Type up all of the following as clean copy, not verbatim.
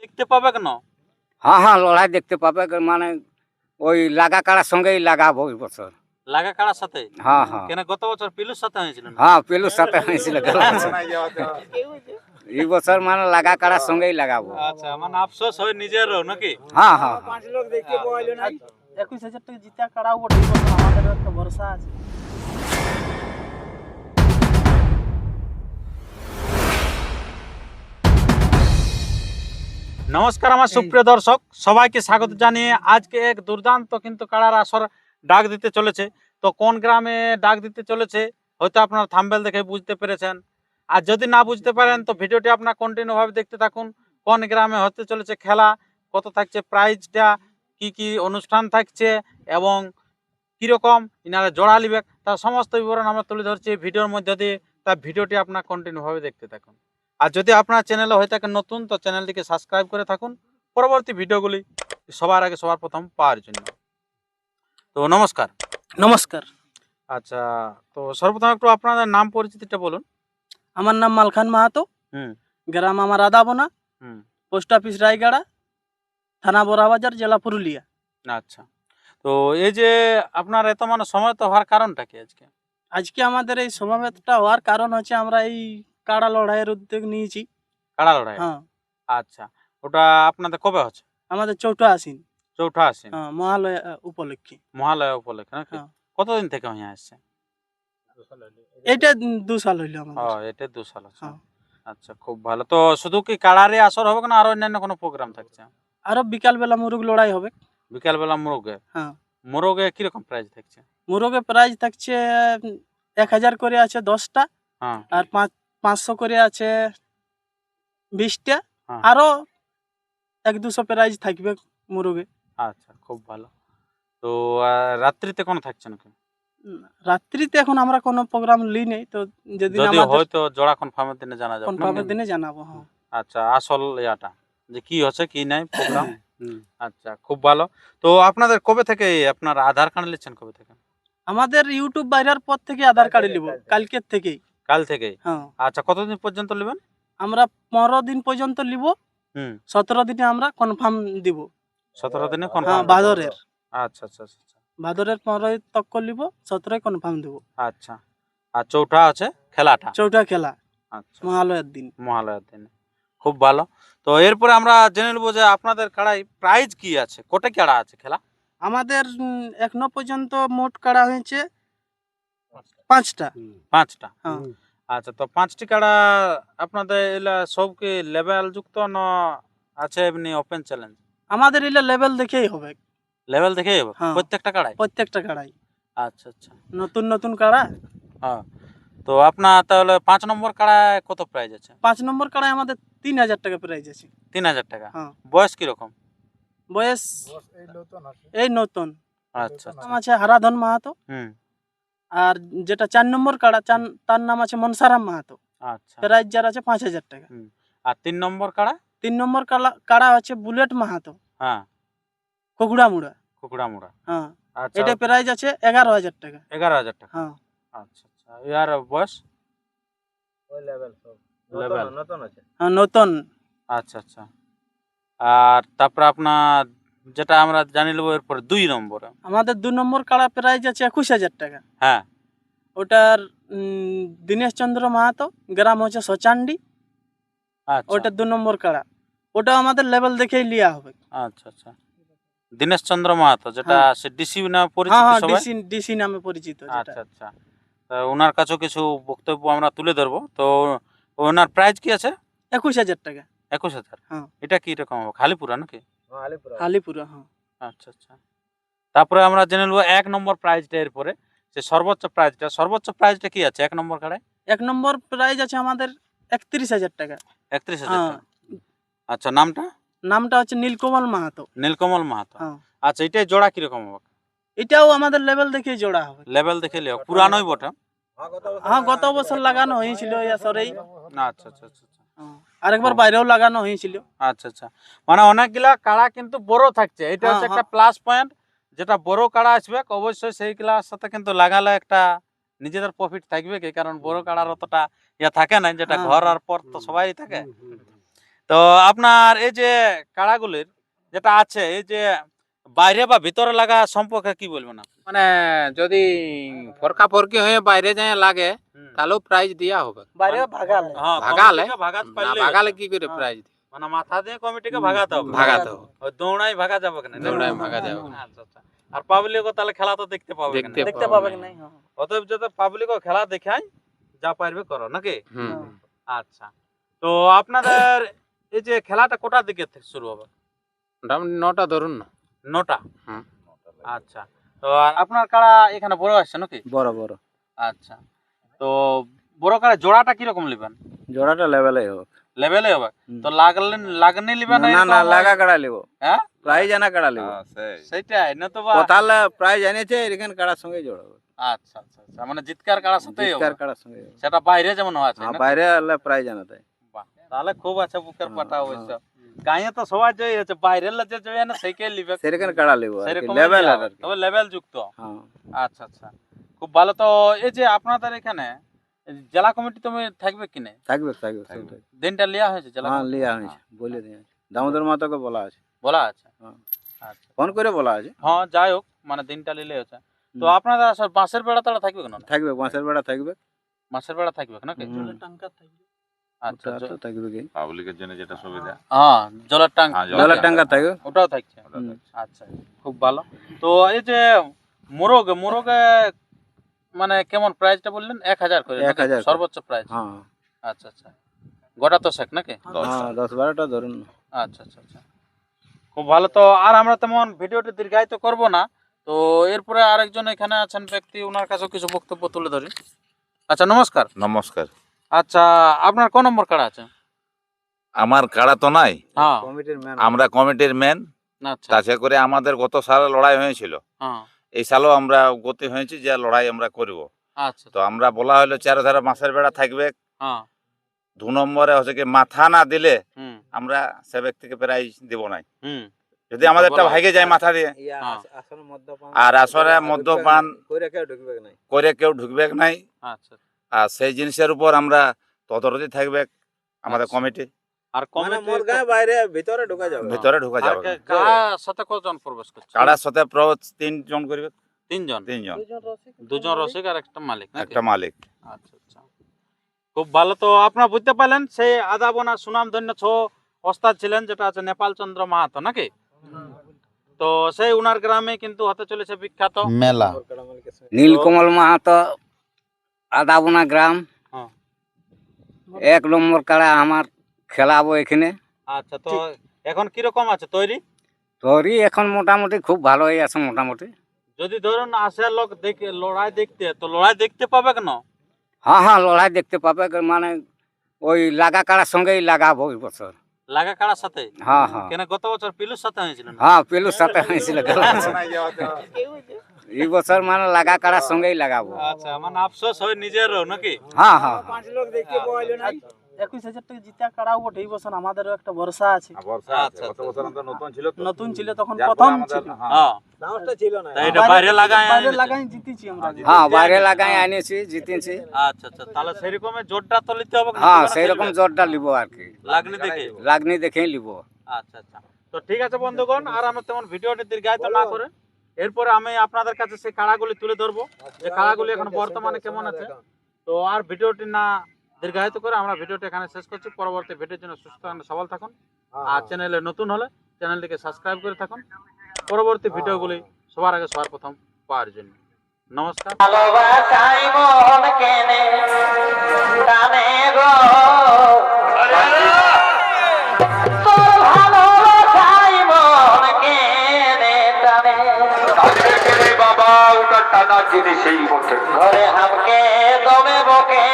দেখতে পাবে কেন? হ্যাঁ হ্যাঁ লড়াই দেখতে পাবে, মানে ওই লাগা কাড়ার সঙ্গেই লাগাবো এই বছর। লাগা কাড়ার সাথে? হ্যাঁ হ্যাঁ কেন গত বছর পিলুর সাথে হয়েছিল না? হ্যাঁ পেলুর সাথে হয়েছিল গেল বছর। এই বছর মানে লাগা কাড়ার সঙ্গেই লাগাবো। আচ্ছা, মানে আফসোস হয় নিজেরও নাকি? হ্যাঁ হ্যাঁ হ্যাঁ। 21,000 টাকা জিতা কাড়াও বটে, এই বছর আমাদেরও একটা ভরসা আছে। নমস্কার আমার সুপ্রিয় দর্শক, সবাইকে স্বাগত জানিয়ে আজকে এক দুর্দান্ত কিন্তু কাড়ার আসর ডাক দিতে চলেছে। তো কোন গ্রামে ডাক দিতে চলেছে হয়তো আপনারা থাম্বনেল দেখে বুঝতে পেরেছেন। আর যদি না বুঝতে পারেন তো ভিডিওটি আপনার কন্টিনিউ ভাবে দেখতে থাকুন। কোন গ্রামে হতে চলেছে খেলা, কত থাকছে প্রাইজটা, কি কি অনুষ্ঠান থাকছে এবং কিরকম ইনারা জোড়া লিবে, তার সমস্ত বিবরণ আমরা তুলে ধরছি এই ভিডিওর মধ্যে দিয়ে। তার ভিডিওটি আপনার কন্টিনিউ ভাবে দেখতে থাকুন। আর যদি আপনার চ্যানেলে হয়ে থাকেন নতুন, তো চ্যানেলটিকে সাবস্ক্রাইব করে থাকুন পরবর্তী ভিডিওগুলি সবার আগে সবার প্রথম পাওয়ার জন্য। তো নমস্কার। নমস্কার, আচ্ছা, তো সর্বপ্রথম একটু আপনাদের নাম পরিচিতিটা বলুন। আমার নাম মালখান মাহাতো, হুম গ্রাম আমার আদাবোনা, হুম পোস্ট অফিস রায়গড়া, থানা বড়াবাজার, জেলা পুরুলিয়া। আচ্ছা, তো এই যে আপনার এত মানে সময় তো হওয়ার কারণটা কি আজকে? আজকে আমাদের এই সমাবেশটা হওয়ার কারণ হচ্ছে আমরা এই কাড়া লড়াইয়ের উদ্যোগ নিয়েছি। কাড়া লড়াই? হ্যাঁ, আচ্ছা, ওটা আপনাদের কবে হচ্ছে? আমাদের চৌঠা আসিন, চৌঠা আশ্বিন, হ্যাঁ, মহালয়া উপলক্ষে। মহালয়া উপলক্ষে নাকি? হ্যাঁ। কতদিন থেকে হয়ে আসছে? এইটা 2 সাল হইলো ও, আমাদের। এটা 2 সাল আছে। হ্যাঁ। আচ্ছা, খুব ভালো। তো শুধু কি কাড়ারে আসর হবে না, আর অন্যান্য কোনো প্রোগ্রাম থাকছে? আরো বিকাল বেলা মুরুগ লড়াই হবে। বিকাল বেলা মোরগে? হ্যাঁ, মোরগে কিরকম প্রাইস থাকছে? মুরগে প্রাইজ থাকছে 1000 করে আছে 10টা, হ্যাঁ আর 500 করে আছে 20টা, হ্যাঁ। আরো 1-200 প্রাইজ থাকবে মুরগে। আচ্ছা, খুব ভালো। তো রাত্রিতে কোনো থাকছে নাকি? রাত্রিতে এখন আমরা কোনো প্রোগ্রাম লি নেই, তো যেদিন যদি আমাদের হয়তো জোড়া কনফার্মের দিনে জানা যাবে কনফার্মের নাকি? দিনে জানাবো। হ্যাঁ, আচ্ছা, আসল ইয়াটা যে কি হচ্ছে কি নাই প্রোগ্রাম। আচ্ছা, খুব ভালো। তো আপনাদের কবে থেকে আপনার আধার কার্ড নিচ্ছেন, কবে থেকে? আমাদের ইউটিউব বাইরের পর থেকে আধার কার্ড নিব, কালকের থেকেই। কাল থেকেই? হ্যাঁ, আচ্ছা, কতদিন পর্যন্ত নেবেন? আমরা 15 দিন পর্যন্ত নিব, হুম 17 দিনে আমরা কনফার্ম দিব। 17 দিনে হ্যাঁ, কনফার্ম? ভাদরের আচ্ছা আচ্ছা আচ্ছা আচ্ছা। ভাদরের 15 তক নিব, 17 কনফার্ম দিব। আচ্ছা, আর চৌঠা আছে খেলাটা? চৌঠা খেলা আচ্ছা, মহালয়ার দিন। মহালয়ার দিনে। খুব ভালো। তো এরপরে আমরা জেনে নেবো যে আপনাদের কাড়াই প্রাইজ কি আছে, কোটা কাড়া আছে খেলা? আমাদের এখনো পর্যন্ত মোট কাড়া হয়েছে 5টা। 5টা? হ্যাঁ, আচ্ছা, তো 5টি কাড়া আপনাদের এলা সব কি লেভেল যুক্ত না আছে এমনি ওপেন চ্যালেঞ্জ? আমাদের এলে লেভেল দেখেই হবে, লেভেল দেখেই হবে হ্যাঁ। প্রত্যেকটা কাড়াই? প্রত্যেকটা কাড়াই আচ্ছা আচ্ছা, নতুন নতুন কাড়া। হ্যাঁ। তো আপনার তাহলে 5 নম্বর কাড়ায় কত প্রাইজ আছে? 5 নম্বর কাড়ায় আমাদের 3000 টাকা প্রাইজ আছে। 3000 টাকা? হ্যাঁ। বয়স কিরকম? বয়স এই নতুন। আচ্ছা নাম আচ্ছা। আছে হারাধন মাহাতো, হুম আর যেটা 4 নম্বর কাড়া তার নাম আছে মনসারাম মাহাতো। আচ্ছা। প্রাইজ যার আছে 5000 টাকা। আর 3 নম্বর কাড়া? 3 নম্বর কাড়া হচ্ছে বুলেট মাহাতো, হ্যাঁ, কগুড়ামুড়া। কুকুড়ামুড়া। হ্যাঁ, আচ্ছা, এটা প্রাইজ আছে 11000 টাকা। 11000 টাকা? হ্যাঁ, আচ্ছা আচ্ছা। ইয়ার বয়স? লেভেল হ্যাঁ, নতুন। আচ্ছা আচ্ছা। আর তারপরে আপনার যেটা আমরা জানি নেবো এরপরে 2 নম্বরে। আমাদের 2 নম্বর কাড়া প্রাইজ আছে 21000 টাকা। হ্যাঁ, ওটার দীনেশ চন্দ্র মাহাতো, গ্রাম হচ্ছে সচান্ডি। আচ্ছা ওটা 2 নম্বর কাড়া, ওটা আমাদের লেভেল দেখেই লিয়া হবে। আচ্ছা আচ্ছা। দীনেশ চন্দ্র মাহাতো, যেটা হ্যাঁ। সে ডিসি নামে হ্যাঁ পরিচিত হ্যাঁ, সবাই? ডিসি নামে পরিচিত যেটা। আচ্ছা আচ্ছা। তা ওনার কাছেও কিছু বক্তব্য আমরা তুলে ধরবো। তো ওনার প্রাইস কি আছে? 21000 টাকা। 21000? হ্যাঁ। এটা কি রকম হবে, খালিপুরা নাকি? আলিপুরা। হ্যাঁ, আচ্ছা আচ্ছা। তারপরে আমরা জেনে নেবো 1 নম্বর প্রাইজটা, এরপরে যে সর্বোচ্চ প্রাইজটা কি আছে 1 নম্বর কাড়ায়? 1 নম্বর প্রাইজ আছে আমাদের 31000 টাকা। 31000 হ্যাঁ, টাকা? আচ্ছা, নামটা? নামটা হচ্ছে নীলকমল মাহাতো। নীলকমল মাহাতো। হ্যাঁ, আচ্ছা, এটাই জোড়া কিরকম হবে? এটাও আমাদের লেভেল দেখেই জোড়া হবে। লেভেল দেখে লিও, পুরানোই বটে? হ্যাঁ, গত বছর লাগানো হয়েছিল এই আসরেই। আচ্ছা আচ্ছা আচ্ছা আচ্ছা। হ্যাঁ, আরেকবার বাইরেও লাগানো হয়েছিল। আচ্ছা আচ্ছা, মানে অনেকগুলা কাড়া কিন্তু বড় থাকছে, এটা হচ্ছে একটা প্লাস পয়েন্ট। যেটা বড় কাড়া আসবে অবশ্যই সেই ক্লাস সাথে কিন্তু লাগালে একটা নিজেদের প্রফিট থাকবে কি, কারণ বড় কাড়ার অতটা ইয়া থাকে না, যেটা হ্যাঁ। ঘর আর পর তো সবাই থাকে। তো আপনার এই যে কাড়াগুলির যেটা আছে এই যে বাইরে বা ভিতরে লাগা সম্পর্কে কি বলবেন আপনি? মানে যদি ফরকা ফরকি হয়ে বাইরে যায় লাগে তাহলেও প্রাইজ দেওয়া হবে। বাইরে ভাগালে হ্যাঁ, ভাগালে? কমিটিকে ভাগাতে না পারলে ভাগালে কি করে হ্যাঁ। প্রাইজ মানে মাথা দিয়ে কমিটিকে ভাগাতে হবে। ভাগাতে হবে। ওই দৌড়াই ভাগা যাবে কেন? দৌড়াই ভাগা যাবে না। আচ্ছা আচ্ছা। আর পাবলিকও তাহলে খেলা তো দেখতে পাবে কেন? দেখতে দেখতে পাবে কি নাই? হ্যাঁ। অতএব যাতে পাবলিকও খেলা দেখায় যা পারবে করো নাকি? হুম। আচ্ছা। তো আপনাদের এই যে খেলাটা কোটার দিকে থেকে শুরু হবে? মোটামুটি 9টা ধরুন না। 9টা। হুম। আচ্ছা। তো আর আপনার কাড়া এখানে বড় আসছে নাকি? বড় বড় আচ্ছা। তো বড় কাড়া জোড়াটা কি রকম নেবেন? জোড়াটা লেভেলেই হোক। লেভেলে হবে? হুম। তো লাগনি নেবেন না না লাগা কাড়া লিব, হ্যাঁ? প্রাইজ আনা কাড়া লিব। সেটাই না তো বা কোথালে প্রাইজ এনেছে এখানে কাড়ার সঙ্গে জোড়াবো, আচ্ছা আচ্ছা আচ্ছা মানে জিতকার কাড়ার সাথেই হবে। জিতকার কাড়ার সঙ্গে জোড়াবো। সেটা বাইরে যেমন আছে হ্যাঁ, না? বাইরে আনলে প্রাইজ আনা তাই। বাহ, তাহলে খুব আছে বুকের হ্যাঁ, পাটা হ্যাঁ। অবশ্য। গাঁয়ে তো সবাই জয় আছে, বাইরের যে জয় না সেইকে লিবে। সেরকম কাড়া লিব আর কি, সেরকম লেভেল আর কি। তবে লেভেল যুক্ত। হ্যাঁ। আচ্ছা আচ্ছা, খুব ভালো। তো এই যে আপনাদের এখানে জেলা কমিটি তুমি থাকবে কিনে থাকবে থাকবে সব থাকবে। দিনটা লিয়া হয়েছে জেলা হ্যাঁ কমিটি? লিয়া হয়েছে, বলে দিয়ে দামোদর মাতাকে বলা আছে, বলা আছে? হ্যাঁ। আচ্ছা ফোন করে বলা আছে। হ্যাঁ, যাই হোক মানে দিনটা লিলে হচ্ছে। তো হুম। আপনারা সব বাঁশের বেড়া তারা থাকবে কেন? থাকবে বাঁশের বেড়া থাকবে। বাঁশের বেড়া থাকবে নাকি? হুম। জলের টাঙ্কার থাকবে। আচ্ছা ওটা তো থাকবে কি, পাবলিকের জন্য যেটা সুবিধা। হ্যাঁ, জলের ট্যাঙ্ক হ্যাঁ, জলের টাঙ্গা থাকবে। ওটাও থাকছে। হুম। আচ্ছা, খুব ভালো। তো এই যে মোরগে মানে কেমন প্রাইসটা বললেন? 1000 করে 1000 করে। সর্বোচ্চ প্রাইস? হ্যাঁ আচ্ছা আচ্ছা, গোটা তো শেখ নাকি? হ্যাঁ 10-12টা ধরুন। আচ্ছা আচ্ছা আচ্ছা, খুব ভালো। তো আর আমরা তেমন ভিডিওটি দীর্ঘায়িত করব না। তো এরপরে আরেকজন এখানে আছেন ব্যক্তি, ওনার কাছেও কিছু বক্তব্য তুলে ধরি। আচ্ছা, নমস্কার। নমস্কার। আচ্ছা, আপনার কোন নম্বর কার্ড আছে? আমার কাড়া তো নাই, হ্যাঁ, কমিটির ম্যান আমরা কমিটির মেন। আচ্ছা, তাতে করে আমাদের গত সালে লড়াই হয়েছিল, হ্যাঁ, এই সালও আমরা গতি হয়েছি যে লড়াই আমরা করব। আচ্ছা, তো আমরা বলা হলো চারধারে মাছের বেড়া থাকবে। হ্যাঁ, 2 নম্বরে হচ্ছে কি মাথা না দিলে হুম, আমরা সে ব্যক্তিকে প্রাইজ দিব নাই। হুম, যদি আমাদেরটা ভাগে যায় মাথা দিয়ে, হ্যাঁ। আর আসরে মদ্যপান কইরা কেউ ঢুকবে নাই। করে কেউ ঢুকবে নাই। আচ্ছা। আর সেই জিনিসের উপর আমরা তদারকি থাকবে আমাদের আচ্ছা। কমিটি। আর মানে কমিটি মোর গায়ে বাইরে ভিতরে ঢোকা যাবে। ভিতরে ঢুকা যাবে না। কার সাথে কজন প্রবেশ করছে? কাড়ার সাথে প্রবেশ 3 জন করবে। 3 জন, 3 জন, দুজন রসিক আর একটা মালিক নাকি? একটা মালিক। আচ্ছা আচ্ছা, খুব ভালো। তো আপনারা বুঝতে পারলেন সেই আদাবনা সুনাম ধন্য ওস্তাদ ছিলেন, যেটা আছে নেপাল চন্দ্র মাহাতো নাকি? তো সেই উনার গ্রামে কিন্তু হতে চলেছে বিখ্যাত মেলা। নীলকমল মাহাতো, আদাবনা গ্রাম। হ্যাঁ। 1 নম্বর কাড়া আমার খেলাবো এখানে। আচ্ছা, তো এখন কিরকম আছে তৈরি? তোরই এখন মোটামুটি খুব ভালোই আছে মোটামুটি। যদি ধরুন আসে লোক দেখে লড়াই দেখতে, তো লড়াই দেখতে পাবে কেন? হ্যাঁ হ্যাঁ লড়াই দেখতে পাবে, মানে ওই লাগা কাড়ার সঙ্গেই লাগাবো এই বছর। লাগা কাড়ার সাথে? হ্যাঁ হ্যাঁ কেন গত বছর পিলুর সাথে হয়েছিল না? হ্যাঁ পেলুর সাথে হয়েছিল গেল বছর। এই বছর মানে লাগা কাড়ার সঙ্গেই লাগাবো। আচ্ছা, মানে আফসোস হয় নিজেরও নাকি? হ্যাঁ হ্যাঁ 21,000 টাকা জিতা কাড়াও বটে। এই বছর আমাদেরও একটা ভরসা আছে। আচ্ছা, নতুন ছিল তখন, প্রথম ছিল। হ্যাঁ, তা এটা বাইরে লাগায় বাইরে এনেছে? লাগাই জিতেছি আমরা। হ্যাঁ বাইরে লাগাই আনিছি, জিতেছি। আচ্ছা আচ্ছা, তাহলে সেরকমের জোরটা তো নিতে হবে। হ্যাঁ সেই রকম জোরটা লিব আর কি, লাগনি দেখে। লাগনি দেখেই লিব। আচ্ছা আচ্ছা, তো ঠিক আছে বন্ধুগণ, আর আমরা তেমন ভিডিওটি দীর্ঘায়িত না করে এরপরে আমি আপনাদের কাছে সেই কাড়াগুলি তুলে ধরবো, যে কাড়াগুলি এখন বর্তমানে কেমন আছে। তো আর ভিডিওটি না দীর্ঘায়িত করে আমরা ভিডিওটি এখানে শেষ করছি। পরবর্তী ভিডিওর জন্য সুস্থ থাকুন, সবল থাকুন। আর চ্যানেলে নতুন হলে চ্যানেলটিকে সাবস্ক্রাইব করে থাকুন, পরবর্তী ভিডিওগুলি সবার আগে সবার প্রথম পাওয়ার জন্য। নমস্কার। ভালোবাসাই মন কেনে টানে গো, তোর ভালোবাসাই মন কেনে টানে, বাবা ওটা টানা জিনিসই বটে। ঘরে হামকে দমে বকে,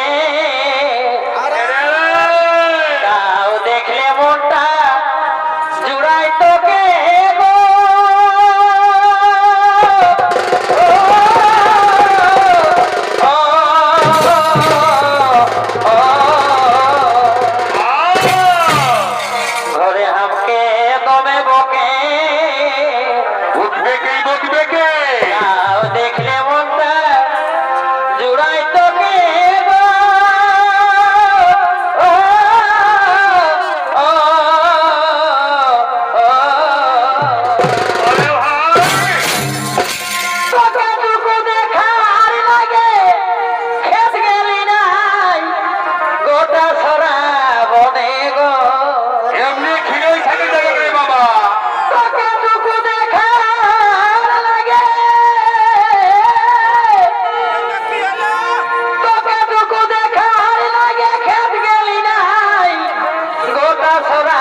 তাও দেখলে মনটা জুড়াই তোকে গো। ঘরে হামকে দমে বকে, উঠবে কে বকবে কে? তাও দেখলে মনটা জুড়াই তোকে গো। সরা